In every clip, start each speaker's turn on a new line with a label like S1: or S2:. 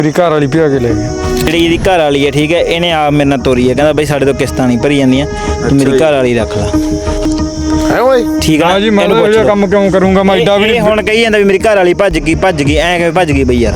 S1: ਮੇਰੀ ਘਰ ਵਾਲੀ ਭਜਾ ਕੇ ਲੈ ਗਿਆ।
S2: ਜਿਹੜੀ ਇਹਦੀ ਘਰ ਵਾਲੀ ਹੈ ਠੀਕ ਹੈ, ਇਹਨੇ ਆਪ ਮੇਰੇ ਨਾਲ ਤੋਰੀ ਹੈ, ਕਹਿੰਦਾ ਬਈ ਸਾਡੇ ਤੋਂ ਕਿਸ਼ਤਾਂ ਨਹੀਂ ਭਰੀ ਜਾਂਦੀਆਂ, ਤੂੰ ਮੇਰੀ ਘਰ ਵਾਲੀ ਰੱਖ ਲੈ।
S1: ਹੈ ਓਏ
S2: ਠੀਕ ਆ
S1: ਜੀ, ਮੈਂ ਇਹ ਕੰਮ ਕਿਉਂ ਕਰੂੰਗਾ? ਮੈਂ ਐਡਾ ਵੀ
S2: ਇਹ ਹੁਣ ਕਹੀ ਜਾਂਦਾ ਵੀ ਮੇਰੀ ਘਰ ਵਾਲੀ ਭੱਜ ਗਈ ਐ ਕਿਵੇਂ ਭੱਜ ਗਈ ਬਈ ਯਾਰ।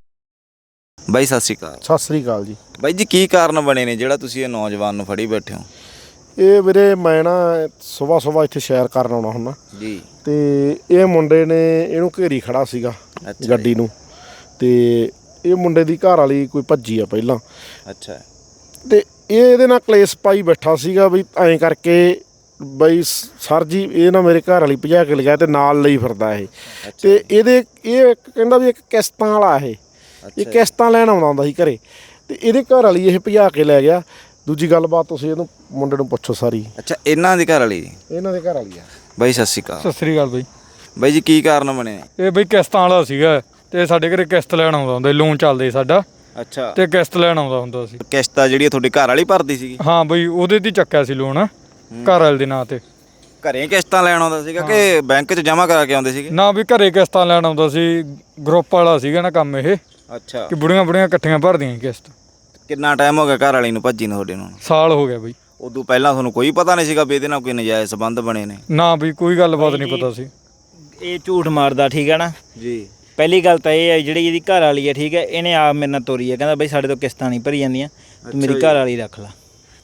S3: ਬਾਈ ਸਤਿ ਸ਼੍ਰੀ ਅਕਾਲ।
S4: ਸਤਿ ਸ੍ਰੀ ਅਕਾਲ ਜੀ।
S3: ਬਾਈ ਜੀ ਕੀ ਕਾਰਨ ਬਣੇ ਨੇ ਜਿਹੜਾ ਤੁਸੀਂ ਇਹ ਨੌਜਵਾਨ ਨੂੰ ਫੜੀ ਬੈਠੇ ਹੋ?
S4: ਇਹ ਵੀਰੇ ਮੈਂ ਨਾ ਸਵੇਰ ਇੱਥੇ ਸੈਰ ਕਰਨ ਆਉਣਾ ਹੁੰਦਾ
S3: ਜੀ,
S4: ਤੇ ਇਹ ਮੁੰਡੇ ਨੇ ਇਹਨੂੰ ਘੇਰੀ ਖੜਾ ਸੀਗਾ ਗੱਡੀ ਨੂੰ, ਤੇ ਇਹ ਮੁੰਡੇ ਦੀ ਘਰ ਵਾਲੀ ਕੋਈ ਭੱਜੀ ਆ ਪਹਿਲਾਂ।
S3: ਅੱਛਾ।
S4: ਤੇ ਇਹ ਇਹਦੇ ਨਾਲ ਕਲੇਸ਼ ਪਾਈ ਬੈਠਾ ਸੀਗਾ ਵੀ ਐਂ ਕਰਕੇ ਬਈ ਸਰ ਜੀ ਇਹ ਨਾ ਮੇਰੇ ਘਰ ਵਾਲੀ ਭਜਾ ਕੇ ਲਗਾਇਆ ਤੇ ਨਾਲ ਲਈ ਫਿਰਦਾ ਇਹ। ਤੇ ਇਹ ਕਹਿੰਦਾ ਵੀ ਇੱਕ ਕਿਸ਼ਤਾਂ ਵਾਲਾ ਇਹ ਕਿਸ਼ਤਾਂ ਲੈਣ ਆਉਂਦਾ ਹੁੰਦਾ ਸੀ ਘਰੇ, ਤੇ ਇਹਦੇ ਘਰ ਵਾਲੀ ਇਹ ਭਜਾ ਕੇ ਲੈ ਗਿਆ। ਦੂਜੀ ਗੱਲਬਾਤ ਤੁਸੀਂ ਇਹਨੂੰ ਮੁੰਡੇ ਨੂੰ ਪੁੱਛੋ ਸਾਰੀ।
S3: ਅੱਛਾ, ਇਹਨਾਂ ਦੀ ਘਰ ਵਾਲੀ?
S4: ਇਹਨਾਂ ਦੇ ਘਰ ਵਾਲੀ ਆ।
S3: ਬਾਈ ਸਤਿ ਸ਼੍ਰੀ ਅਕਾਲ।
S1: ਸਤਿ ਸ੍ਰੀ ਅਕਾਲ ਬਾਈ।
S3: ਬਾਈ ਜੀ ਕੀ ਕਾਰਨ ਬਣੇ ਨੇ?
S1: ਇਹ ਬਈ ਕਿਸ਼ਤਾਂ ਵਾਲਾ ਸੀਗਾ ਤੇ ਸਾਡੇ ਘਰੇ ਕਿਸ਼ਤ ਲੈਣ ਆਉਂਦਾ ਹੁੰਦਾ, ਲੋਨ ਚੱਲਦੇ ਸਾਡਾ।
S3: ਅੱਛਾ।
S1: ਤੇ ਕਿਸ਼ਤ ਲੈਣ ਆਉਂਦਾ ਹੁੰਦਾ ਸੀ।
S3: ਕਿਸ਼ਤ ਜਿਹੜੀ ਤੁਹਾਡੀ ਘਰ ਵਾਲੀ ਭਰਦੀ ਸੀਗੀ?
S1: ਹਾਂ ਬਈ, ਉਹਦੇ ਦੀ ਚੱਕਿਆ ਸੀ ਲੋਨ ਘਰ ਵਾਲੇ ਦੇ ਨਾਂ ਤੇ।
S3: ਘਰੇ ਕਿਸ਼ਤਾਂ ਲੈਣ ਆਉਂਦਾ ਸੀਗਾ ਕਿ ਬੈਂਕ 'ਚ ਜਮ੍ਹਾਂ ਕਰਾ ਕੇ ਆਉਂਦੇ ਸੀਗੇ?
S1: ਨਾ ਵੀ ਘਰੇ ਕਿਸ਼ਤਾਂ ਲੈਣ ਆਉਂਦਾ ਸੀ, ਗਰੁੱਪ ਵਾਲਾ ਸੀਗਾ ਨਾ ਕੰਮ ਇਹ।
S3: ਅੱਛਾ।
S1: ਕਿ ਬੁੜੀਆਂ ਇਕੱਠੀਆਂ ਭਰਦੀਆਂ ਕਿਸ਼ਤ।
S3: ਕਿੰਨਾ ਟਾਈਮ ਹੋ ਗਿਆ ਘਰ ਵਾਲੀ ਨੂੰ ਭੱਜੀ ਨੂੰ ਤੁਹਾਡੇ ਨੂੰ?
S1: ਸਾਲ ਹੋ ਗਿਆ ਬਈ।
S3: ਉਦੋਂ ਪਹਿਲਾਂ ਤੁਹਾਨੂੰ ਕੋਈ ਪਤਾ ਨਹੀਂ ਸੀਗਾ ਵੀ ਇਹਦੇ ਨਾਲ ਕੋਈ ਨਜਾਇਜ਼ ਸੰਬੰਧ ਬਣੇ ਨੇ?
S1: ਨਾ ਬਈ ਕੋਈ ਗੱਲਬਾਤ ਨਹੀਂ ਪਤਾ ਸੀ।
S2: ਇਹ ਝੂਠ ਮਾਰਦਾ ਠੀਕ ਹੈ ਨਾ
S3: ਜੀ।
S2: ਪਹਿਲੀ ਗੱਲ ਤਾਂ ਇਹ ਹੈ ਜਿਹੜੀ ਇਹਦੀ ਘਰ ਵਾਲੀ ਹੈ ਠੀਕ ਹੈ, ਇਹਨੇ ਆਪ ਮੇਰੇ ਨਾਲ ਤੋਰੀ ਹੈ, ਕਹਿੰਦਾ ਬਈ ਸਾਡੇ ਤੋਂ ਕਿਸ਼ਤਾਂ ਨਹੀਂ ਭਰੀ ਜਾਂਦੀਆਂ, ਤੂੰ ਮੇਰੀ ਘਰ ਵਾਲੀ ਰੱਖ ਲੈ।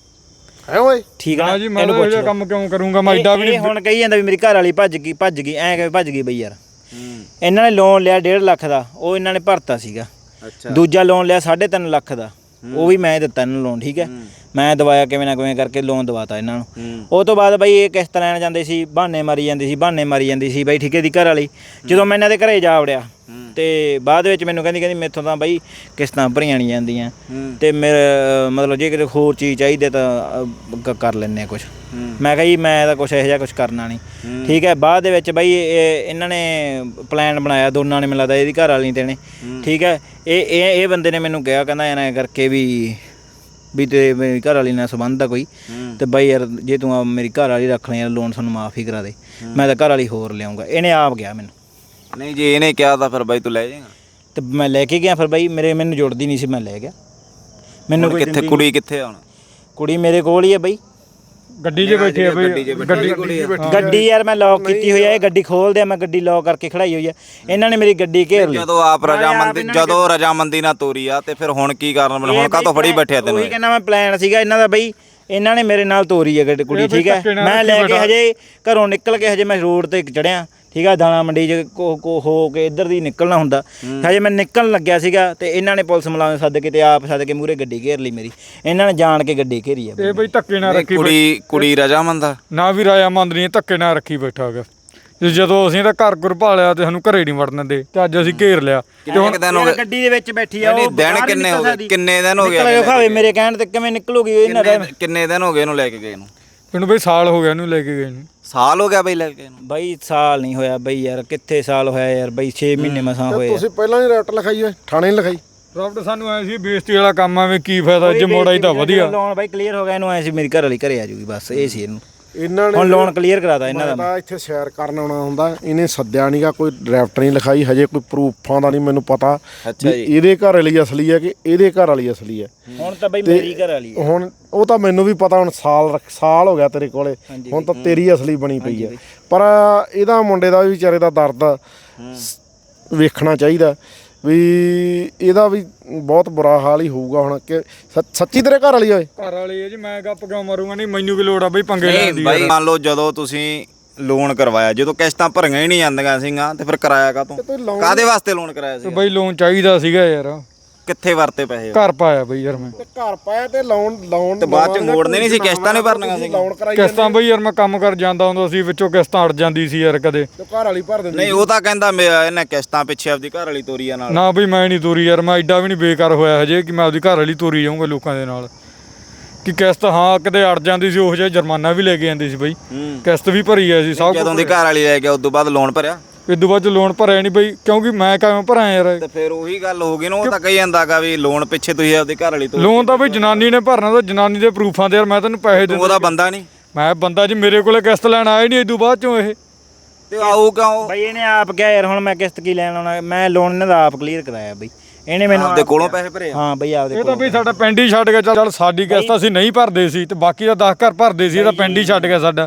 S4: ਹੈ ਓਏ
S2: ਠੀਕ ਆ
S1: ਜੀ, ਮੈਂ ਇਹ ਕੰਮ ਕਿਉਂ ਕਰੂੰਗਾ? ਮੈਂ ਐਡਾ ਵੀ
S2: ਹੁਣ ਕਹੀ ਜਾਂਦਾ ਵੀ ਮੇਰੀ ਘਰ ਵਾਲੀ ਭੱਜ ਗਈ ਐ ਕਿਵੇਂ ਭੱਜ ਗਈ ਬਈ ਯਾਰ। ਇਹਨਾਂ ਨੇ ਲੋਨ ਲਿਆ 1.5 ਲੱਖ ਦਾ, ਉਹ ਇਹਨਾਂ ਨੇ ਭਰਤਾ ਸੀਗਾ।
S3: ਅੱਛਾ।
S2: ਦੂਜਾ ਲੋਨ ਲਿਆ 3.5 ਲੱਖ ਦਾ, ਉਹ ਵੀ ਮੈਂ ਦਿੱਤਾ ਇਹਨਾਂ ਨੂੰ ਲੋਨ। ਠੀਕ ਹੈ, ਮੈਂ ਦਵਾਇਆ ਕਿਵੇਂ ਨਾ ਕਿਵੇਂ ਕਰਕੇ ਲੋਨ ਦਵਾਤਾ ਇਹਨਾਂ ਨੂੰ। ਉਹ ਤੋਂ ਬਾਅਦ ਬਈ ਇਹ ਕਿਸ਼ਤ ਲੈਣ ਜਾਂਦੇ ਸੀ, ਬਹਾਨੇ ਮਾਰੀ ਜਾਂਦੀ ਸੀ ਬਈ ਠੀਕ ਹੈ ਦੀ ਘਰ ਵਾਲੀ। ਜਦੋਂ ਮੈਂ ਇਹਨਾਂ ਦੇ ਘਰੇ ਜਾ ਵੜਿਆ ਤੇ ਬਾਅਦ ਵਿੱਚ ਮੈਨੂੰ ਕਹਿੰਦੀ ਮੈਥੋਂ ਤਾਂ ਬਈ ਕਿਸ਼ਤਾਂ ਭਰੀਆਂ ਨਹੀਂ ਜਾਂਦੀਆਂ, ਤੇ ਮੇਰੇ ਮਤਲਬ ਜੇ ਕਿਤੇ ਹੋਰ ਚੀਜ਼ ਚਾਹੀਦੀ ਤਾਂ ਕਰ ਲੈਂਦੇ ਆ ਕੁਛ। ਮੈਂ ਕਿਹਾ ਜੀ ਮੈਂ ਤਾਂ ਕੁਛ ਇਹੋ ਜਿਹਾ ਕੁਛ ਕਰਨਾ ਨਹੀਂ। ਠੀਕ ਹੈ, ਬਾਅਦ ਦੇ ਵਿੱਚ ਬਈ ਇਹਨਾਂ ਨੇ ਪਲਾਨ ਬਣਾਇਆ ਦੋਨਾਂ ਨੇ, ਮੈਨੂੰ ਲੱਗਦਾ ਇਹਦੀ ਘਰ ਵਾਲੀ ਤੇ ਨੇ। ਠੀਕ ਹੈ, ਇਹ ਬੰਦੇ ਨੇ ਮੈਨੂੰ ਕਿਹਾ, ਕਹਿੰਦਾ ਐਂ ਕਰਕੇ ਵੀ ਤੇ ਮੇਰੀ ਘਰ ਵਾਲੀ ਨਾਲ ਸੰਬੰਧ ਆ ਕੋਈ, ਤੇ ਬਾਈ ਯਾਰ ਜੇ ਤੂੰ ਮੇਰੀ ਘਰ ਵਾਲੀ ਰੱਖ ਲੈ ਯਾਰ ਲੋਨ ਸਾਨੂੰ ਮਾਫ ਹੀ ਕਰਾ ਦੇ, ਮੈਂ ਤਾਂ ਘਰ ਵਾਲੀ ਹੋਰ ਲਿਆਉਂਗਾ। ਇਹਨੇ ਆਪ ਗਿਆ ਮੈਨੂੰ।
S3: ਨਹੀਂ ਜੇ ਇਹਨੇ ਕਿਹਾ ਤਾਂ ਫਿਰ ਬਾਈ ਤੂੰ ਲੈ ਜਾਏਗਾ?
S2: ਤੇ ਮੈਂ ਲੈ ਕੇ ਗਿਆ ਫਿਰ ਬਾਈ, ਮੈਨੂੰ ਜੁੜਦੀ ਨਹੀਂ ਸੀ, ਮੈਂ ਲੈ ਗਿਆ। ਮੈਨੂੰ
S3: ਕਿੱਥੇ ਕੁੜੀ ਕਿੱਥੇ ਆ ਹੁਣ?
S2: ਕੁੜੀ ਮੇਰੇ ਕੋਲ ਹੀ ਹੈ ਬਾਈ,
S1: ਗੱਡੀ 'ਚ ਬੈਠੀ ਆ ਬਈ।
S2: ਗੱਡੀ ਯਾਰ ਮੈਂ ਲੌਕ ਕੀਤੀ ਹੋਈ ਆ, ਇਹ ਗੱਡੀ ਖੋਲਦੇ ਆ, ਮੈਂ ਗੱਡੀ ਲੌਕ ਕਰਕੇ ਖੜਾਈ ਹੋਈ ਆ। ਇਹਨਾਂ ਨੇ ਮੇਰੀ ਗੱਡੀ ਘੇਰ ਲਈ।
S3: ਜਦੋਂ ਰਜਾਮੰਦੀ ਨਾਲ ਤੋਰੀ ਆ ਤੇ ਫਿਰ ਹੁਣ ਕੀ ਕਾਰਨ ਬਣ? ਹੁਣ ਕਾਹਤੋਂ ਫੜੀ ਬੈਠਿਆ ਤੈਨੂੰ?
S2: ਉਹੀ ਕਹਿੰਦਾ ਮੈਂ ਪਲਾਨ ਸੀਗਾ ਇਹਨਾਂ ਦਾ ਬਈ, ਇਹਨਾਂ ਨੇ ਮੇਰੇ ਨਾਲ ਤੋਰੀ ਹੈ ਕੁੜੀ। ਠੀਕ ਹੈ, ਮੈਂ ਲੈ ਕੇ ਹਜੇ ਘਰੋਂ ਨਿਕਲ ਕੇ ਹਜੇ ਮੈਂ ਰੋਡ ਤੇ ਚੜਿਆ। ਠੀਕ ਆ, ਦਾਣਾ ਮੰਡੀ 'ਚ ਹੋ ਕੇ ਇੱਧਰ ਦੀ ਨਿਕਲਣਾ ਹੁੰਦਾ, ਹਜੇ ਮੈਂ ਨਿਕਲਣ ਲੱਗਿਆ ਸੀਗਾ ਤੇ ਇਹਨਾਂ ਨੇ ਪੁਲਿਸ ਮੁਲਾਜ਼ਮ ਸੱਦ ਕੇ ਤੇ ਆਪ ਸੱਦ ਕੇ ਮੂਹਰੇ ਗੱਡੀ ਘੇਰ ਲਈ ਮੇਰੀ। ਇਹਨਾਂ ਨੇ ਜਾਣ ਕੇ ਗੱਡੀ ਘੇਰੀ ਆ।
S1: ਇਹ ਬਈ ਧੱਕੇ ਨਾਲ ਰੱਖੀ
S3: ਕੁੜੀ ਰਜਾਮੰਦ ਆ?
S1: ਨਾ ਵੀ ਰਜਾਮੰਦ ਨਹੀਂ, ਧੱਕੇ ਨਾਲ ਰੱਖੀ ਬੈਠਾ ਹੈਗਾ। ਜਦੋਂ ਅਸੀਂ ਤਾਂ ਘਰ ਘੁਰ ਭਾਲਿਆ ਤੇ ਸਾਨੂੰ ਘਰੇ ਨਹੀਂ ਵੜਨ ਦਿੰਦੇ, ਤੇ ਅੱਜ ਅਸੀਂ ਘੇਰ ਲਿਆ।
S3: ਤੇ ਹੁਣ
S2: ਗੱਡੀ ਦੇ ਵਿੱਚ ਬੈਠੀ ਆ ਉਹ।
S3: ਦਿਨ ਕਿੰਨੇ ਹੋ ਗਏ? ਕਿੰਨੇ ਦਿਨ ਹੋ ਗਏ?
S2: ਖਾਵੇ ਮੇਰੇ ਕਹਿਣ ਤੇ ਕਿਵੇਂ ਨਿਕਲੂਗੀ ਇਹਨਾਂ ਦਾ?
S3: ਕਿੰਨੇ ਦਿਨ ਹੋ ਗਏ ਇਹਨੂੰ ਲੈ ਕੇ ਗਏ ਨੂੰ?
S1: ਇਹਨੂੰ ਬਈ ਸਾਲ ਹੋ ਗਿਆ ਇਹਨੂੰ ਲੈ ਕੇ ਗਏ ਨੂੰ।
S3: ਸਾਲ ਹੋ ਗਿਆ ਬਈ ਲੈ ਕੇ ਗਏ ਨੂੰ?
S2: ਬਈ ਸਾਲ ਨਹੀਂ ਹੋਇਆ ਬਈ ਯਾਰ, ਕਿੱਥੇ ਸਾਲ ਹੋਇਆ ਯਾਰ ਬਈ, 6 ਮਹੀਨੇ ਮਸਾਂ ਹੋਏ।
S4: ਤੁਸੀਂ ਪਹਿਲਾਂ ਹੀ ਰੈਟ ਲਿਖਾਈ ਓਏ, ਥਾਣੇ ਨਹੀਂ ਲਿਖਾਈ?
S1: ਰਾਬਟ ਸਾਨੂੰ ਐ ਸੀ ਬੇਇੱਜ਼ਤੀ ਵਾਲਾ ਕੰਮ ਆ, ਵੀ ਕੀ ਫਾਇਦਾ ਜੇ ਮੋੜਾ ਹੀ ਤਾਂ ਵਧੀਆ।
S2: ਲੋਨ ਬਾਈ ਕਲੀਅਰ ਹੋ ਗਿਆ, ਇਹਨੂੰ ਐ ਸੀ ਮੇਰੀ ਘਰ ਵਾਲੀ ਘਰੇ ਆ ਜੂਗੀ, ਬਸ ਇਹ ਸੀ ਇਹਨੂੰ।
S4: ਇਹਨਾਂ ਨੇ
S2: ਹੁਣ ਲੋਨ ਕਲੀਅਰ ਕਰਾਤਾ ਇਹਨਾਂ ਦਾ।
S4: ਮੈਂ ਇੱਥੇ ਸੈਰ ਕਰਨ ਆਉਣਾ ਹੁੰਦਾ, ਇਹਨੇ ਸੱਦਿਆ ਨਹੀਂਗਾ, ਕੋਈ ਡਰਾਫਟ ਨਹੀਂ ਲਿਖਾਈ, ਹਜੇ ਕੋਈ ਪ੍ਰੂਫਾਂ ਦਾ ਨਹੀਂ ਮੈਨੂੰ ਪਤਾ ਵੀ ਇਹਦੇ ਘਰ ਵਾਲੀ ਅਸਲੀ ਹੈ ਕਿ ਇਹਦੇ ਘਰ ਵਾਲੀ ਅਸਲੀ ਹੈ।
S2: ਹੁਣ ਤਾਂ ਬਈ ਮੇਰੀ ਘਰ ਵਾਲੀ ਹੈ।
S4: ਹੁਣ ਉਹ ਤਾਂ ਮੈਨੂੰ ਵੀ ਪਤਾ, ਹੁਣ ਸਾਲ ਹੋ ਗਿਆ ਤੇਰੇ ਕੋਲੇ, ਹੁਣ ਤਾਂ ਤੇਰੀ ਅਸਲੀ ਬਣੀ ਪਈ ਹੈ। ਪਰ ਇਹਦਾ ਮੁੰਡੇ ਦਾ ਵੀ ਵਿਚਾਰੇ ਦਾ ਦਰਦ ਵੇਖਣਾ ਚਾਹੀਦਾ ਵੀ ਇਹਦਾ ਵੀ ਬਹੁਤ ਬੁਰਾ ਹਾਲ ਹੀ ਹੋਊਗਾ ਹੁਣ। ਕਿ ਸੱਚੀ ਤੇਰੇ ਘਰ ਵਾਲੀ ਓਏ?
S1: ਘਰ ਵਾਲੀ ਹੈ ਜੀ, ਮੈਂ ਗੱਪ ਕਿਉਂ ਮਾਰੂੰਗਾ? ਨਹੀਂ ਮੈਨੂੰ ਕੀ ਲੋੜ ਆ ਬਈ ਪੰਗੇ ਲੈਣ ਦੀ?
S3: ਬਾਈ ਮੰਨ ਲਓ ਜਦੋਂ ਤੁਸੀਂ ਲੋਨ ਕਰਵਾਇਆ, ਜਦੋਂ ਕਿਸ਼ਤਾਂ ਭਰੀਆਂ ਹੀ ਨਹੀਂ ਜਾਂਦੀਆਂ ਸੀਗੀਆਂ, ਤੇ ਫਿਰ ਕਰਾਇਆ ਕਾਹਤੋਂ? ਕਾਹਦੇ ਵਾਸਤੇ ਲੋਨ ਕਰਾਇਆ ਸੀ?
S1: ਬਈ ਲੋਨ ਚਾਹੀਦਾ ਸੀਗਾ ਯਾਰ।
S3: ਕਿੱਥੇ ਵਰਤੇ ਪੈਸੇ?
S1: ਘਰ ਪਾਇਆ ਬਈ ਯਾਰ ਮੈਂ।
S4: ਘਰ ਪਾਇਆ ਤੇ ਲੋਨ
S3: ਤੇ ਬਾਅਦ ਚ ਮੋੜਨੇ ਨਹੀਂ ਸੀ, ਕਿਸ਼ਤਾਂ ਨਹੀਂ ਭਰਨੀਆਂ ਸੀ?
S1: ਕਿਸ਼ਤਾਂ ਬਈ ਯਾਰ ਮੈਂ ਕੰਮ ਕਰ ਜਾਂਦਾ ਹੁੰਦਾ ਸੀ, ਵਿੱਚੋਂ ਕਿਸ਼ਤਾਂ ਅੜ ਜਾਂਦੀ ਸੀ ਯਾਰ ਕਦੇ।
S4: ਘਰ ਵਾਲੀ ਭਰ ਦਿੰਦੀ?
S3: ਨਹੀਂ ਉਹ ਤਾਂ ਕਹਿੰਦਾ ਇਹਨੇ ਕਿਸ਼ਤਾਂ ਪਿੱਛੇ ਆਪਦੀ ਘਰ ਵਾਲੀ ਤੋਰੀ ਆ ਨਾਲ।
S1: ਨਾ ਬਈ ਮੈਂ ਨਹੀਂ ਤੋਰੀ ਯਾਰ, ਮੈਂ ਐਡਾ ਵੀ ਨਹੀਂ ਬੇਕਾਰ ਹੋਇਆ ਹਜੇ ਕਿ ਮੈਂ ਆਪਦੀ ਘਰ ਵਾਲੀ ਤੋਰੀ ਜਾਊਂਗਾ ਲੋਕਾਂ ਦੇ ਨਾਲ। ਕਿ ਕਿਸ਼ਤ ਹਾਂ ਕਿਤੇ ਅੜ ਜਾਂਦੀ ਸੀ, ਉਹ ਜਿਹਾ ਜੁਰਮਾਨਾ ਵੀ ਲੈ ਕੇ ਜਾਂਦੀ ਸੀ ਬਈ। ਕਿਸ਼ਤ ਵੀ ਭਰੀ ਆ ਸੀ ਸਭ।
S3: ਜਦੋਂ ਦੀ ਘਰ ਵਾਲੀ ਲੈ ਗਿਆ ਉਸ ਤੋਂ ਬਾਅਦ ਲੋਨ ਭਰਿਆ?
S1: ਇਦੋਂ ਬਾਅਦ ਲੋਨ ਭਰਿਆ ਨਹੀਂ ਬਈ, ਕਿਉਂਕਿ ਮੈਂ ਕਿਵੇਂ ਭਰਾਂ ਯਾਰ?
S3: ਤੇ ਫਿਰ ਉਹੀ ਗੱਲ ਹੋ ਗਈ ਨਾ, ਉਹ ਤਾਂ ਕਹੀ ਜਾਂਦਾਗਾ ਵੀ ਲੋਨ ਪਿੱਛੇ ਤੁਸੀਂ ਆਪਦੀ ਘਰ ਵਾਲੀ ਤੋਂ।
S1: ਲੋਨ ਤਾਂ ਬਈ ਜਨਾਨੀ ਨੇ ਭਰਨਾ, ਤਾਂ ਜਨਾਨੀ ਦੇ ਪ੍ਰੂਫਾਂ ਤੇ ਯਾਰ ਮੈਂ ਤੈਨੂੰ ਪੈਸੇ ਦਿੰਦਾ।
S3: ਉਹਦਾ ਬੰਦਾ ਨਹੀਂ?
S1: ਮੈਂ ਬੰਦਾ ਜੀ, ਮੇਰੇ ਕੋਲੇ ਕਿਸ਼ਤ ਲੈਣ ਆਇਆ ਨਹੀਂ ਇਦੋਂ ਬਾਅਦ ਚੋਂ ਇਹ।
S3: ਤੇ ਆਊ ਕਿਉਂ?
S2: ਬਈ ਇਹਨੇ ਆਪ ਕਿਹਾ ਯਾਰ ਹੁਣ ਮੈਂ ਕਿਸ਼ਤ ਕੀ ਲੈਣ ਆਉਣਾ, ਮੈਂ ਲੋਨ ਇਹਨਾਂ ਦਾ ਆਪ ਕਲੀਅਰ ਕਰਾਇਆ ਬਈ। ਇਹਨੇ ਮੈਨੂੰ
S3: ਆਪਦੇ ਕੋਲੋਂ ਪੈਸੇ ਭਰੇ ਆ?
S2: ਹਾਂ ਬਈ ਆਪਦੇ
S1: ਇਹ ਤਾਂ ਬਈ ਸਾਡਾ ਪਿੰਡ ਹੀ ਛੱਡ ਗਿਆ। ਚੱਲ ਸਾਡੀ ਕਿਸ਼ਤ ਅਸੀਂ ਨਹੀਂ ਭਰਦੇ ਸੀ ਤੇ ਬਾਕੀ ਦਾ 10 ਘਰ ਭਰਦੇ ਸੀ, ਇਹ ਤਾਂ ਪਿੰਡ ਹੀ ਛੱਡ ਗਿਆ ਸਾਡਾ।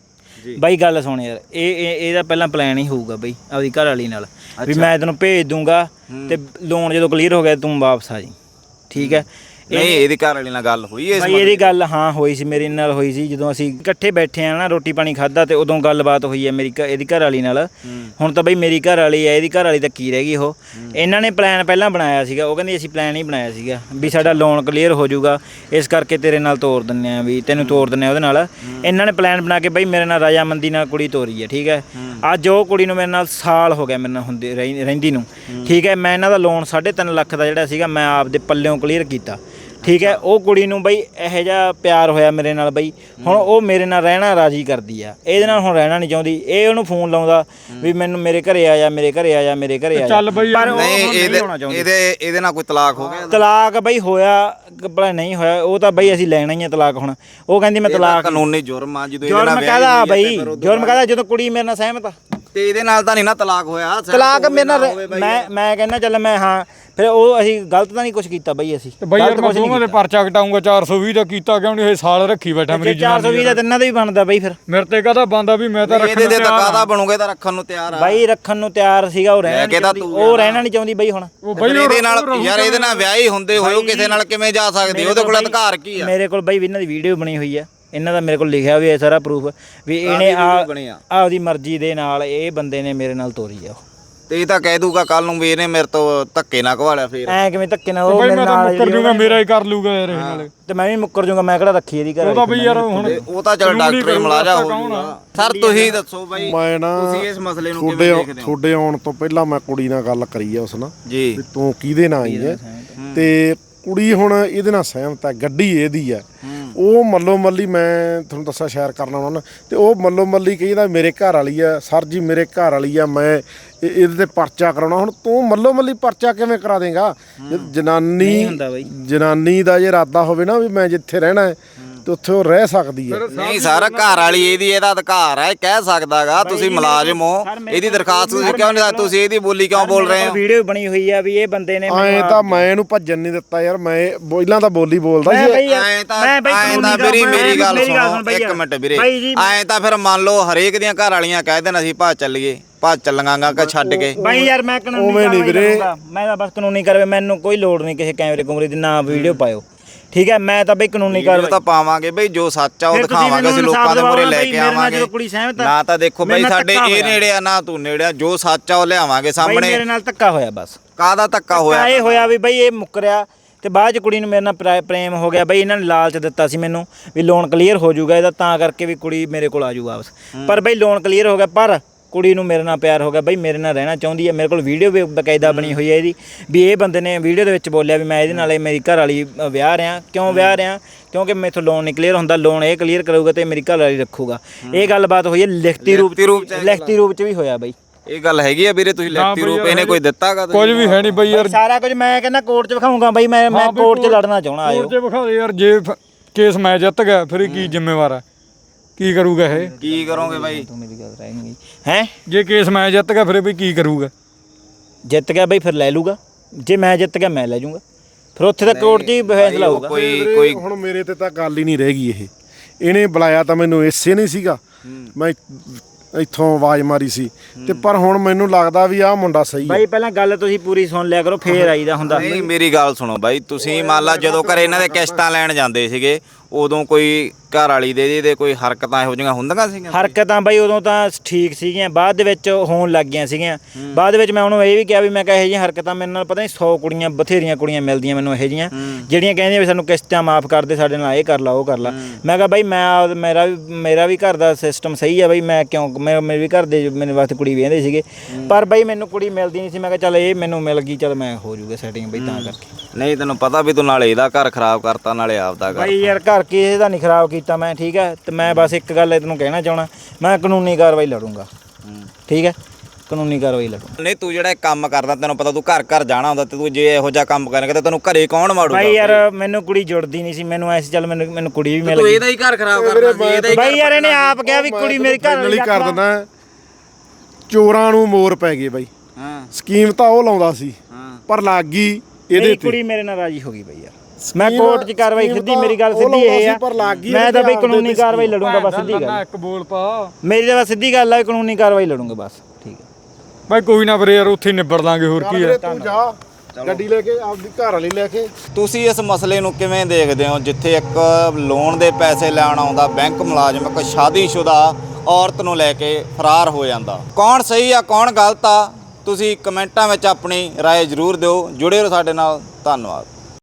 S2: ਬਾਈ ਗੱਲ ਸੁਣ ਯਾਰ, ਇਹਦਾ ਪਹਿਲਾਂ ਪਲਾਨ ਹੀ ਹੋਊਗਾ ਬਈ ਆਪਦੀ ਘਰ ਵਾਲੀ ਨਾਲ ਵੀ ਮੈਂ ਤੈਨੂੰ ਭੇਜ ਦੂੰਗਾ ਤੇ ਲੋਨ ਜਦੋਂ ਕਲੀਅਰ ਹੋ ਗਿਆ ਤੂੰ ਵਾਪਸ ਆ ਜੀ, ਠੀਕ ਹੈ।
S3: ਨਹੀਂ ਇਹਦੀ ਘਰ ਵਾਲੀ ਨਾਲ ਗੱਲ ਹੋਈ ਇਸ
S2: ਬਾਈ ਇਹਦੀ ਗੱਲ ਹਾਂ ਹੋਈ ਸੀ, ਮੇਰੇ ਨਾਲ ਹੋਈ ਸੀ ਜਦੋਂ ਅਸੀਂ ਇਕੱਠੇ ਬੈਠੇ ਆ ਨਾ ਰੋਟੀ ਪਾਣੀ ਖਾਦਾ ਤੇ ਉਦੋਂ ਗੱਲਬਾਤ ਹੋਈ ਹੈ ਮੇਰੀ ਇਹਦੀ ਘਰ ਵਾਲੀ ਨਾਲ। ਹੁਣ ਤਾਂ ਬਈ ਮੇਰੀ ਘਰ ਵਾਲੀ ਹੈ, ਇਹਦੀ ਘਰ ਵਾਲੀ ਤਾਂ ਕੀ ਰਹਿ ਗਈ ਉਹ। ਇਹਨਾਂ ਨੇ ਪਲਾਨ ਪਹਿਲਾਂ ਬਣਾਇਆ ਸੀਗਾ, ਉਹ ਕਹਿੰਦੀ ਅਸੀਂ ਪਲਾਨ ਹੀ ਬਣਾਇਆ ਸੀਗਾ ਵੀ ਸਾਡਾ ਲੋਨ ਕਲੀਅਰ ਹੋ ਜਾਊਗਾ ਇਸ ਕਰਕੇ ਤੇਰੇ ਨਾਲ ਤੋਰ ਦਿੰਦੇ ਆ, ਵੀ ਤੈਨੂੰ ਤੋਰ ਦਿੰਦੇ ਆ ਉਹਦੇ ਨਾਲ। ਇਹਨਾਂ ਨੇ ਪਲਾਨ ਬਣਾ ਕੇ ਬਈ ਮੇਰੇ ਨਾਲ ਰਾਜਾਮੰਦੀ ਨਾਲ ਕੁੜੀ ਤੋਰੀ ਹੈ, ਠੀਕ ਹੈ। ਅੱਜ ਉਹ ਕੁੜੀ ਨੂੰ ਮੇਰੇ ਨਾਲ ਸਾਲ ਹੋ ਗਿਆ ਮੇਰੇ ਨਾਲ ਹੁੰਦੀ ਰਹਿੰਦੀ ਨੂੰ, ਠੀਕ ਹੈ। ਮੈਂ ਇਹਨਾਂ ਦਾ ਲੋਨ 3.5 ਲੱਖ ਦਾ ਜਿਹੜਾ ਸੀਗਾ ਮੈਂ ਆਪਦੇ ਪੱਲਿਓਂ ਕਲੀਅਰ ਕੀਤਾ, ਠੀਕ ਹੈ। ਉਹ ਕੁੜੀ ਨੂੰ ਬਈ ਇਹੋ ਜਿਹਾ ਪਿਆਰ ਹੋਇਆ ਮੇਰੇ ਨਾਲ ਬਈ, ਹੁਣ ਉਹ ਮੇਰੇ ਨਾਲ ਰਹਿਣਾ ਰਾਜੀ ਕਰਦੀ ਆ, ਇਹਦੇ ਨਾਲ ਹੁਣ ਰਹਿਣਾ ਨਹੀਂ ਚਾਹੁੰਦੀ। ਇਹ ਉਹਨੂੰ ਫੋਨ ਲਾਉਂਦਾ ਵੀ ਮੈਨੂੰ ਮੇਰੇ ਘਰੇ ਆ ਜਾ, ਮੇਰੇ ਘਰੇ ਆ ਜਾ, ਮੇਰੇ ਘਰੇ ਆ ਜਾ।
S1: ਚੱਲ ਬਈ
S2: ਪਰ ਉਹ
S3: ਨਹੀਂ
S2: ਨਹੀਂ ਹੋਣਾ ਚਾਹੁੰਦੀ।
S3: ਇਹਦੇ ਨਾਲ ਕੋਈ ਤਲਾਕ ਹੋ ਗਿਆ?
S2: ਤਲਾਕ ਬਈ ਹੋਇਆ ਭਲਾ ਨਹੀਂ ਹੋਇਆ, ਉਹ ਤਾਂ ਬਈ ਅਸੀਂ ਲੈਣਾ ਹੀ ਆ ਤਲਾਕ ਹੁਣ। ਉਹ ਕਹਿੰਦੀ ਮੈਂ ਤਲਾਕ
S3: ਕਾਨੂੰਨੀ ਜੁਰਮ ਆ ਜਦੋਂ
S2: ਜੁਰਮ ਕਹਦਾ ਬਈ, ਜੁਰਮ ਕਹਦਾ ਜਦੋਂ ਕੁੜੀ ਮੇਰੇ ਨਾਲ ਸਹਿਮਤ ਆ
S3: ਤੇ ਇਹਦੇ ਨਾਲ ਤਾਂ ਨਹੀਂ ਨਾ ਤਲਾਕ ਹੋਇਆ?
S2: ਤਲਾਕ ਮੇਰੇ ਨਾਲ ਮੈਂ ਕਹਿੰਦਾ ਚੱਲ ਮੈਂ ਹਾਂ ਫਿਰ ਉਹ ਅਸੀਂ ਗਲਤ ਤਾਂ ਨਹੀਂ ਕੁਝ ਕੀਤਾ ਬਈ ਅਸੀਂ।
S1: ਤੇ ਬਈ ਯਾਰ ਮੈਂ ਦੋਵਾਂ ਦੇ ਪਰਚਾ ਕਟਾਉਂਗਾ 420 ਦਾ ਕੀਤਾ ਕਿਉਂ ਨਹੀਂ? ਇਹ ਸਾਲ ਰੱਖੀ ਬੈਠਾ ਮੇਰੀ ਜਨਾਨੀ।
S2: 420 ਦਾ ਤਿੰਨਾਂ ਦਾ ਵੀ ਬਣਦਾ ਬਈ ਫਿਰ
S1: ਮੇਰੇ ਤੇ ਕਹਦਾ ਬੰਦਾ ਵੀ ਮੈਂ ਤਾਂ ਰੱਖਣ
S3: ਇਹਦੇ ਤੇ ਕਾਹਦਾ ਬਣੂਗੇ ਤਾਂ ਰੱਖਣ ਨੂੰ ਤਿਆਰ ਆ
S2: ਬਾਈ, ਰੱਖਣ ਨੂੰ ਤਿਆਰ ਸੀਗਾ ਉਹ ਰਹਿਣਾ ਨਹੀਂ ਚਾਹੁੰਦੀ, ਉਹ ਰਹਿਣਾ ਨਹੀਂ ਚਾਹੁੰਦੀ ਬਈ ਹੁਣ।
S3: ਇਹਦੇ ਨਾਲ ਯਾਰ ਇਹਦੇ ਨਾਲ ਵਿਆਹੀ ਹੁੰਦੇ ਹੋਏ ਉਹ ਕਿਸੇ ਨਾਲ ਕਿਵੇਂ ਜਾ ਸਕਦੀ? ਉਹਦੇ ਕੋਲ ਅਧਿਕਾਰ ਕੀ ਆ?
S2: ਮੇਰੇ ਕੋਲ ਬਈ ਇਹਨਾਂ ਦੀ ਵੀਡੀਓ ਬਣੀ ਹੋਈ ਆ, ਇਹਨਾਂ ਦਾ ਮੇਰੇ ਕੋਲ ਲਿਖਿਆ ਵੀ ਹੈ ਸਾਰਾ ਪ੍ਰੂਫ ਵੀ ਇਹਨੇ ਆਪਦੀ ਮਰਜ਼ੀ ਦੇ ਨਾਲ ਇਹ ਬੰਦੇ ਨੇ ਮੇਰੇ ਨਾਲ ਤੋਰੀ ਆ।
S3: ਤੇ ਇਹ ਤਾਂ ਕਹਿ ਦੂਗਾ ਕੱਲ ਨੂੰ ਵੀ ਇਹਨੇ ਮੇਰੇ ਤੋਂ ਧੱਕੇ ਨਾ ਘਵਾਲਿਆ ਫੇਰ।
S2: ਐ ਕਿਵੇਂ ਧੱਕੇ ਨਾਲ ਉਹ
S1: ਬਈ
S2: ਮੇਰੇ
S1: ਮੈਂ ਤਾਂ
S2: ਨਾਲ
S1: ਮੁੱਕਰ ਜੂਗਾ, ਮੇਰਾ ਹੀ ਕਰ ਲੂਗਾ ਯਾਰ ਇਹ ਨਾਲ।
S2: ਤੇ ਮੈਂ ਵੀ ਮੁੱਕਰ ਜੂਗਾ, ਮੈਂ ਕਿਹੜਾ ਰੱਖੀ ਇਹਦੀ ਘਰ।
S1: ਉਹ ਤਾਂ ਬਈ ਯਾਰ ਹੁਣ
S3: ਉਹ ਤਾਂ ਚਲ ਡਾਕਟਰ ਮਲਾਜਾ ਹੋ ਜਾਊਗਾ। ਸਰ ਤੁਸੀਂ ਦੱਸੋ ਬਾਈ,
S4: ਮੈਂ ਨਾ
S3: ਤੁਸੀਂ ਇਸ ਮਸਲੇ ਨੂੰ ਕਿਵੇਂ ਦੇਖਦੇ ਹੋ?
S4: ਤੁਹਾਡੇ ਆਉਣ ਤੋਂ ਪਹਿਲਾਂ ਮੈਂ ਕੁੜੀ ਨਾਲ ਗੱਲ ਕਰੀ ਆ ਉਸ ਨਾਲ
S3: ਜੀ
S4: ਵੀ ਤੂੰ ਕਿਹਦੇ ਨਾਲ ਆਈ ਹੈ, ਤੇ ਕੁੜੀ ਹੁਣ ਇਹਦੇ ਨਾਲ ਸਹਿਮਤ ਹੈ, ਗੱਡੀ ਇਹਦੀ ਹੈ। ਉਹ ਮੱਲੋ ਮੱਲੀ ਮੈਂ ਤੁਹਾਨੂੰ ਦੱਸਾਂ ਸ਼ੇਅਰ ਕਰਨਾ ਉਹਨਾਂ ਤੇ ਉਹ ਮੱਲੋ ਮੱਲੀ ਕਹਿੰਦਾ ਮੇਰੇ ਘਰ ਵਾਲੀ ਆ, ਸਰ ਜੀ ਮੇਰੇ ਘਰ ਵਾਲੀ ਆ, ਮੈਂ ਇਹਦੇ ਤੇ ਪਰਚਾ ਕਰਾਉਣਾ। ਹੁਣ ਤੂੰ ਮੱਲੋ ਮੱਲੀ ਪਰਚਾ ਕਿਵੇਂ ਕਰਾ ਦੇਂਗਾ? ਜਨਾਨੀ ਦਾ ਜੇ ਇਰਾਦਾ ਹੋਵੇ ਨਾ ਵੀ ਮੈਂ ਜਿੱਥੇ ਰਹਿਣਾ ਹੈ ਤੇ ਉੱਥੇ ਉਹ ਰਹਿ ਸਕਦੀ ਹੈ।
S3: ਨਹੀਂ ਸਰ, ਘਰ ਵਾਲੀ ਇਹਦਾ ਅਧਿਕਾਰ ਹੈ, ਕਹਿ ਸਕਦਾਗਾ। ਤੁਸੀਂ ਮੁਲਾਜ਼ਮ ਹੋ, ਇਹਦੀ ਦਰਖਾਸਤ ਤੁਸੀਂ ਕਿਉਂ ਨਹੀਂ? ਤੁਸੀਂ ਇਹਦੀ ਬੋਲੀ ਕਿਉਂ ਬੋਲ ਰਹੇ ਹੋ?
S2: ਵੀਡੀਓ ਬਣੀ ਹੋਈ ਆ ਵੀ ਇਹ ਬੰਦੇ ਨੇ
S4: ਐਂ ਤਾਂ ਮੈਂ ਇਹਨੂੰ ਭੱਜਣ ਨਹੀਂ ਦਿੱਤਾ ਯਾਰ, ਮੈਂ ਪਹਿਲਾਂ ਤਾਂ ਬੋਲੀ ਬੋਲਦਾ ਸੀ।
S3: ਐਂ ਤਾਂ ਵੀਰੇ ਮੇਰੀ ਗੱਲ ਸੁਣੋ ਇੱਕ ਮਿੰਟ ਵੀਰੇ, ਐਂ ਤਾਂ ਫਿਰ ਮੰਨ ਲਓ ਹਰੇਕ ਦੀਆਂ ਘਰ ਵਾਲੀਆਂ ਕਹਿ ਦੇਣ ਅਸੀਂ ਭੱਜ ਚੱਲੀਏ, ਭੱਜ ਚੱਲਾਂਗਾ ਕਿ ਛੱਡ ਕੇ।
S2: ਬਾਈ ਯਾਰ ਮੈਂ ਕਾਨੂੰਨੀ ਕਾਰਵਾਈ ਕਰੂੰਗਾ, ਮੈਂ ਤਾਂ ਬਸ ਕਾਨੂੰਨੀ ਕਾਰਵਾਈ, ਮੈਨੂੰ ਕੋਈ ਲੋੜ ਨਹੀਂ ਕਿਸੇ ਕੈਮਰੇ ਕੁਮਰੇ ਦੀ, ਨਾ ਵੀਡੀਓ ਪਾਇਓ, ਠੀਕ ਹੈ। ਮੈਂ ਤਾਂ ਬਈ ਕਾਨੂੰਨੀ ਕਾਰਵਾਈ
S3: ਤਾਂ ਪਾਵਾਂਗੇ ਬਈ, ਜੋ ਸੱਚ ਆ ਉਹ ਦਿਖਾਵਾਂਗੇ ਅਸੀਂ ਲੋਕਾਂ ਦੇ ਮੂਹਰੇ ਲੈ ਕੇ ਆਵਾਂਗੇ। ਨਾ ਤਾਂ ਦੇਖੋ ਬਈ ਸਾਡੇ ਇਹ ਨੇੜੇ ਆ ਨਾ ਤੂੰ ਨੇੜੇ ਆ, ਜੋ ਸੱਚ ਆ ਉਹ ਲਿਆਵਾਂਗੇ ਸਾਹਮਣੇ।
S2: ਮੇਰੇ ਨਾਲ ਧੱਕਾ ਹੋਇਆ ਬਸ।
S3: ਕਾਹਦਾ ਧੱਕਾ ਹੋਇਆ?
S2: ਇਹ ਹੋਇਆ ਵੀ ਬਈ ਇਹ ਮੁੱਕਰਿਆ ਤੇ ਬਾਅਦ ਚ ਕੁੜੀ ਨੂੰ ਮੇਰੇ ਨਾਲ ਪ੍ਰੇਮ ਹੋ ਗਿਆ ਬਈ। ਇਹਨਾਂ ਨੇ ਲਾਲਚ ਦਿੱਤਾ ਸੀ ਮੈਨੂੰ ਵੀ ਲੋਨ ਕਲੀਅਰ ਹੋ ਜਾਊਗਾ ਇਹਦਾ, ਤਾਂ ਕਰਕੇ ਵੀ ਕੁੜੀ ਮੇਰੇ ਕੋਲ ਆ ਜਾਊ ਵਾਪਸ। ਪਰ ਬਈ ਲੋਨ ਕਲੀਅਰ ਹੋ ਗਿਆ, ਪਰ ਕੁੜੀ ਨੂੰ ਮੇਰੇ ਨਾਲ ਪਿਆਰ ਹੋ ਗਿਆ ਬਈ, ਮੇਰੇ ਨਾਲ ਰਹਿਣਾ ਚਾਹੁੰਦੀ ਹੈ। ਮੇਰੇ ਕੋਲ ਵੀਡੀਓ ਵੀ ਬਕਾਇਦਾ ਬਣੀ ਹੋਈ ਹੈ ਇਹਦੀ, ਵੀ ਇਹ ਬੰਦੇ ਨੇ ਵੀਡੀਓ ਦੇ ਵਿੱਚ ਬੋਲਿਆ ਵੀ ਮੈਂ ਇਹਦੇ ਨਾਲ ਮੇਰੀ ਘਰ ਵਾਲੀ ਵਿਆਹ ਰਿਹਾ। ਕਿਉਂ ਵਿਆਹ ਰਿਹਾ? ਕਿਉਂਕਿ ਮੈਥੋਂ ਲੋਨ ਨਹੀਂ ਕਲੀਅਰ ਹੁੰਦਾ, ਲੋਨ ਇਹ ਕਲੀਅਰ ਕਰੂਗਾ ਤੇ ਮੇਰੀ ਘਰ ਵਾਲੀ ਰੱਖੂਗਾ। ਇਹ ਗੱਲਬਾਤ ਹੋਈ ਹੈ ਲਿਖਤੀ ਰੂਪ ਚ ਵੀ ਹੋਇਆ ਬਈ।
S3: ਇਹ ਗੱਲ ਹੈਗੀ ਆ ਵੀਰੇ? ਤੁਸੀਂ ਲਿਖਤੀ ਰੂਪ ਇਹਨੇ ਕੋਈ ਦਿੱਤਾਗਾ?
S1: ਕੁਝ ਵੀ ਹੈ ਨਹੀਂ ਬਈ ਯਾਰ,
S2: ਸਾਰਾ ਕੁਝ ਮੈਂ ਕਹਿੰਦਾ ਕੋਰਟ 'ਚ ਵਿਖਾਊਂਗਾ ਬਈ, ਮੈਂ ਕੋਰਟ 'ਚ ਲੜਨਾ ਚਾਹਣਾ। ਆਇਓ
S1: ਕੋਰਟ 'ਚ ਵਿਖਾ ਦੇ ਯਾਰ, ਜੇ ਕੇਸ ਮੈਂ ਜਿੱਤ ਗਿਆ ਫਿਰ ਇਹ ਕੀ ਜ਼ਿੰਮੇਵਾਰ ਹੈ? ਕੀ ਕਰੂਗਾ ਇਹ?
S3: ਕੀ ਕਰੋਗੇ ਬਾਈ?
S2: ਤੂੰ ਮੇਰੀ ਗੱਲ ਰਹਿਣੀ ਹੈ।
S1: ਜੇ ਕੇਸ ਮੈਂ ਜਿੱਤ ਗਿਆ ਫਿਰ ਵੀ ਕੀ ਕਰੂਗਾ?
S2: ਜਿੱਤ ਗਿਆ ਬਈ ਫਿਰ ਲੈ ਲੂਗਾ, ਜੇ ਮੈਂ ਜਿੱਤ ਗਿਆ ਮੈਂ ਲੈ ਜਾਊਂਗਾ, ਫਿਰ ਉੱਥੇ ਤਾਂ ਕੋਰਟ 'ਚ ਹੀ ਫੈਸਲਾ ਹੋਊਗਾ।
S3: ਕੋਈ
S4: ਹੁਣ ਮੇਰੇ ਤੇ ਤਾਂ ਗੱਲ ਹੀ ਨਹੀਂ ਰਹਿ ਗਈ। ਇਹਨੇ ਬੁਲਾਇਆ ਤਾਂ ਮੈਨੂੰ ਇਸੇ ਨਹੀਂ ਸੀਗਾ, ਮੈਂ ਇੱਥੋਂ ਆਵਾਜ਼ ਮਾਰੀ ਸੀ ਤੇ ਪਰ ਹੁਣ ਮੈਨੂੰ ਲੱਗਦਾ ਵੀ ਆਹ ਮੁੰਡਾ ਸਹੀ ਹੈ।
S2: ਬਾਈ ਪਹਿਲਾਂ ਗੱਲ ਤੁਸੀਂ ਪੂਰੀ ਸੁਣ ਲਿਆ ਕਰੋ, ਫੇਰ ਆਈਦਾ ਹੁੰਦਾ।
S3: ਨਹੀਂ ਮੇਰੀ ਗੱਲ ਸੁਣੋ ਬਾਈ, ਤੁਸੀਂ ਮੰਨ ਲਾ ਜਦੋਂ ਘਰੇ ਇਹਨਾਂ ਦੇ ਕਿਸ਼ਤਾਂ ਲੈਣ ਜਾਂਦੇ ਸੀਗੇ ਉਦੋਂ ਕੋਈ ਘਰ ਵਾਲੀ ਦੇ ਕੋਈ ਹਰਕਤਾਂ ਇਹੋ ਜਿਹੀਆਂ ਹੁੰਦੀਆਂ ਸੀਗੀਆਂ?
S2: ਹਰਕਤਾਂ ਬਾਈ ਉਦੋਂ ਤਾਂ ਠੀਕ ਸੀਗੀਆਂ, ਬਾਅਦ ਦੇ ਵਿੱਚ ਹੋਣ ਲੱਗ ਗਈਆਂ ਸੀਗੀਆਂ। ਬਾਅਦ ਦੇ ਵਿੱਚ ਮੈਂ ਉਹਨੂੰ ਇਹ ਵੀ ਕਿਹਾ ਵੀ ਮੈਂ ਕਿਹਾ ਇਹੋ ਜਿਹੀਆਂ ਹਰਕਤਾਂ ਮੇਰੇ ਨਾਲ ਪਤਾ ਨਹੀਂ 100 ਕੁੜੀਆਂ ਬਥੇਰੀਆਂ ਕੁੜੀਆਂ ਮਿਲਦੀਆਂ ਮੈਨੂੰ ਇਹੋ ਜਿਹੀਆਂ, ਜਿਹੜੀਆਂ ਕਹਿੰਦੀਆਂ ਵੀ ਸਾਨੂੰ ਕਿਸ਼ਤਾਂ ਮਾਫ ਕਰ ਦੇ, ਸਾਡੇ ਨਾਲ ਇਹ ਕਰ ਲਾ ਉਹ ਕਰ ਲਾ। ਮੈਂ ਕਿਹਾ ਬਾਈ ਮੇਰਾ ਵੀ ਘਰ ਦਾ ਸਿਸਟਮ ਸਹੀ ਹੈ ਬਾਈ, ਮੈਂ ਕਿਉਂ ਮੇਰੇ ਵੀ ਘਰ ਦੇ ਮੇਰੇ ਵਾਸਤੇ ਕੁੜੀ ਵੇਂਦੇ ਸੀਗੇ, ਪਰ ਬਾਈ ਮੈਨੂੰ ਕੁੜੀ ਮਿਲਦੀ ਨਹੀਂ ਸੀ। ਮੈਂ ਕਿਹਾ ਚੱਲ ਇਹ ਮੈਨੂੰ ਮਿਲ ਗਈ, ਚੱਲ ਮੈਂ ਹੋ ਜੂਗਾ ਸੈਟਿੰਗ ਬਈ, ਤਾਂ ਕਰਕੇ।
S3: ਨਹੀਂ ਤੈਨੂੰ ਪਤਾ ਵੀ ਤੂੰ ਨਾਲੇ ਇਹਦਾ ਘਰ ਖਰਾਬ ਕਰਤਾ ਨਾਲੇ ਆਪਦਾ ਘਰ।
S2: ਬਾਈ ਯਾਰ ਘਰ ਕਿਸੇ ਦਾ ਨਹੀਂ ਖਰਾਬ ਕੀਤਾ ਮੈਂ, ਠੀਕ ਹੈ। ਤੇ ਮੈਂ ਬਸ ਇੱਕ ਗੱਲ ਤੈਨੂੰ ਕਹਿਣਾ ਚਾਹਣਾ, ਮੈਂ ਕਾਨੂੰਨੀ ਕਾਰਵਾਈ ਲੜੂੰਗਾ, ਠੀਕ ਹੈ, ਕਾਨੂੰਨੀ ਕਾਰਵਾਈ ਲੜੂੰਗਾ।
S3: ਨਹੀਂ ਤੂੰ ਜਿਹੜਾ ਕੰਮ ਕਰਦਾ ਤੈਨੂੰ ਪਤਾ ਤੂੰ ਘਰ ਘਰ ਜਾਣਾ ਹੁੰਦਾ ਤੇ ਤੂੰ ਜੇ ਇਹੋ ਜਿਹਾ ਕੰਮ ਕਰੇਂਗਾ ਤਾਂ ਤੈਨੂੰ ਘਰੇ ਕੌਣ ਮਾੜੂਗਾ?
S2: ਬਾਈ ਯਾਰ ਮੈਨੂੰ ਕੁੜੀ ਜੁੜਦੀ ਨਹੀਂ ਸੀ, ਮੈਨੂੰ ਐਸੀ ਚੱਲ ਮੈਨੂੰ ਕੁੜੀ ਵੀ ਮਿਲ
S3: ਤੂੰ
S2: ਗਈ।
S3: ਇਹਦਾ ਹੀ ਘਰ ਖਰਾਬ ਕਰਦਾ ਸੀ, ਇਹਦਾ ਹੀ।
S2: ਬਾਈ ਯਾਰ ਇਹਨੇ ਆਪ ਕਿਹਾ ਵੀ ਕੁੜੀ ਮੇਰੀ ਘਰ ਵਾਲੀ
S4: ਕਰ ਦਿੰਦਾ। ਚੋਰਾਂ ਨੂੰ ਮੋਰ ਪੈ ਗਏ ਬਾਈ।
S3: ਹਾਂ
S4: ਸਕੀਮ ਤਾਂ ਉਹ ਲਾਉਂਦਾ ਸੀ, ਪਰ ਲੱਗ ਗਈ ਇਹਦੇ
S2: ਮੇਰੀ
S4: ਤੇ
S2: ਕੁੜੀ ਮੇਰੇ ਨਾਲ ਰਾਜੀ ਹੋ ਗਈ ਬਈ ਯਾਰ ਮੈਂ ਕੋਰਟ 'ਚ ਕਾਰਵਾਈ ਸਿੱਧੀ ਮੇਰੀ ਗੱਲ
S4: ਉਹ
S2: ਸਿੱਧੀ
S4: ਲਾਉਂਦਾ
S2: ਇਹ
S4: ਸੀ
S2: ਆ
S4: ਪਰ ਲੱਗ ਗਈ
S2: ਮੈਂ ਤਾਂ ਬਈ
S4: ਇਹਦੇ
S2: ਕਾਨੂੰਨੀ
S4: ਆਪਦੇ
S2: ਕਾਰਵਾਈ ਲੜੂੰਗਾ ਬਸ ਸਿੱਧੀ ਗੱਲ
S1: ਇੱਕ ਬੋਲ ਪਾ
S2: ਮੇਰੀ ਤਾਂ ਬਸ ਸਿੱਧੀ ਗੱਲ ਆ ਕਾਨੂੰਨੀ ਕਾਰਵਾਈ ਲੜੂੰਗਾ ਬਸ ਠੀਕ ਹੈ
S1: ਬਾਈ ਕੋਈ ਨਾ ਵੀਰੇ ਯਾਰ ਉੱਥੇ ਹੀ ਨਿਬੜ ਲਾਂਗੇ ਹੋਰ ਕੀ ਹੈ
S4: ਤੂੰ ਜਾ ਗੱਡੀ ਲੈ ਕੇ ਆਪਦੀ ਘਰ ਵਾਲੀ ਲੈ ਕੇ
S3: ਤੁਸੀਂ ਇਸ ਮਸਲੇ ਨੂੰ ਕਿਵੇਂ ਦੇਖਦੇ ਹੋ ਜਿੱਥੇ ਇੱਕ ਲੋਨ ਦੇ ਪੈਸੇ ਲੈਣ ਆਉਂਦਾ ਬੈਂਕ ਮੁਲਾਜ਼ਮ ਇੱਕ ਸ਼ਾਦੀशुदा ਔਰਤ ਨੂੰ ਲੈ ਕੇ ਫਰਾਰ ਹੋ ਜਾਂਦਾ ਕੌਣ ਸਹੀ ਆ ਕੌਣ ਗਲਤ ਆ ਤੁਸੀਂ ਕਮੈਂਟਾਂ ਵਿੱਚ ਆਪਣੀ ਰਾਏ ਜ਼ਰੂਰ ਦਿਓ ਜੁੜੇ ਰਹੋ ਸਾਡੇ ਨਾਲ ਧੰਨਵਾਦ